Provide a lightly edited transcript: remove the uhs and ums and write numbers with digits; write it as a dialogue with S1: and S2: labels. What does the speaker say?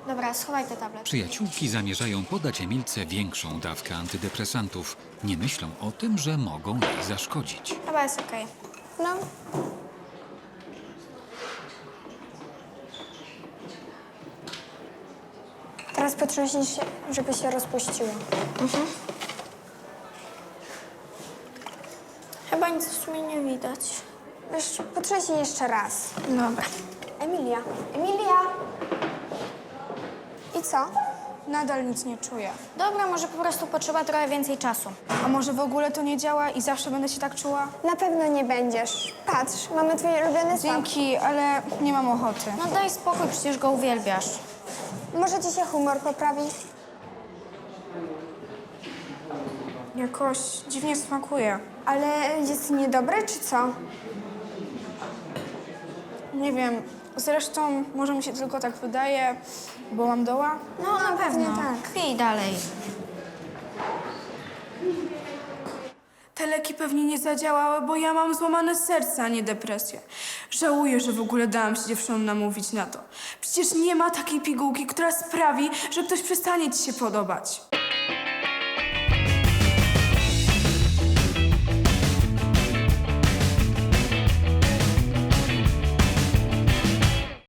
S1: Dobra, schowaj te tabletki.
S2: Przyjaciółki zamierzają podać Emilce większą dawkę antydepresantów. Nie myślą o tym, że mogą jej zaszkodzić.
S1: Chyba jest okej.
S3: No. Teraz potrząśnij się, żeby się rozpuściło.
S1: Chyba nic w sumie nie widać.
S3: Wiesz, potrząśnij jeszcze raz.
S1: Dobra.
S3: Emilia! Emilia! I co?
S4: Nadal nic nie czuję.
S1: Dobra, może po prostu potrzeba trochę więcej czasu.
S4: A może w ogóle to nie działa i zawsze będę się tak czuła?
S3: Na pewno nie będziesz. Patrz, mamy twoje ulubione słabo.
S4: Dzięki, ale nie mam ochoty.
S1: No daj spokój, przecież go uwielbiasz.
S3: Może ci się humor poprawi?
S4: Jakoś dziwnie smakuje.
S3: Ale jest niedobry, czy co?
S4: Nie wiem, zresztą może mi się tylko tak wydaje, bo mam doła.
S1: No na pewno.
S3: tak.
S1: Pij dalej.
S5: Te leki pewnie nie zadziałały, bo ja mam złamane serce, a nie depresję. Żałuję, że w ogóle dałam się dziewczynom namówić na to. Przecież nie ma takiej pigułki, która sprawi, że ktoś przestanie ci się podobać.